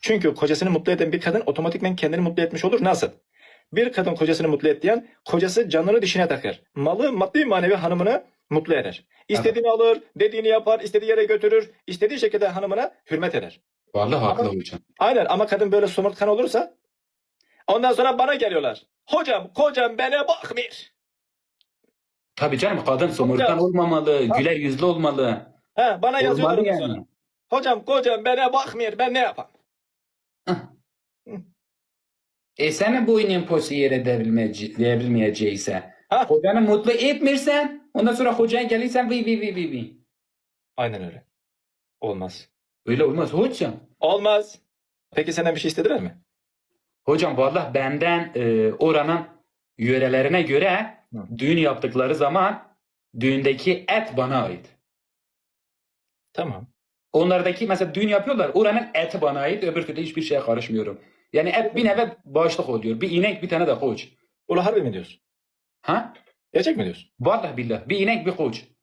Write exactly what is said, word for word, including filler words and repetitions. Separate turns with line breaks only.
Çünkü kocasını mutlu eden bir kadın otomatikmen kendini mutlu etmiş olur. Nasıl? Bir kadın kocasını mutlu et diyen, kocası canını dişine takar. Malı, maddi manevi hanımını mutlu eder. İstediğini alır, dediğini yapar, istediği yere götürür, istediği şekilde hanımına hürmet eder.
Vallahi haklı
Ama-
hocam.
Aynen, ama kadın böyle somurtkan olursa ondan sonra bana geliyorlar. Hocam, kocam bana bakmıyor.
Tabii canım, kadın somurtkan olmamalı,
Ha.
güler yüzlü olmalı.
He, bana yazıyorlar
Olmalı
ondan
yani.
sonra. Hocam, kocam bana bakmıyor, ben ne yapayım?
E senin boyunun posu yere devrilmeye- devrilmeyecekse,
Ha?
kocanı mutlu etmirsen, ondan sonra kocan gelirsen vi vi vi vi vi.
Aynen öyle. Olmaz.
Öyle olmaz hocam.
Olmaz. Peki senden bir şey istediler mi?
Hocam vallahi benden e, oranın yörelerine göre
Hı.
düğün yaptıkları zaman düğündeki et bana ait.
Tamam.
Onlardaki mesela düğün yapıyorlar, oranın eti bana ait, öbür türlü hiçbir şeye karışmıyorum. Yani et bir neve başlık oluyor. Bir inek, bir tane de koç.
Ula harbi mi diyorsun?
Ha?
Gerçek mi diyorsun?
Vallahi billah, bir inek bir koç.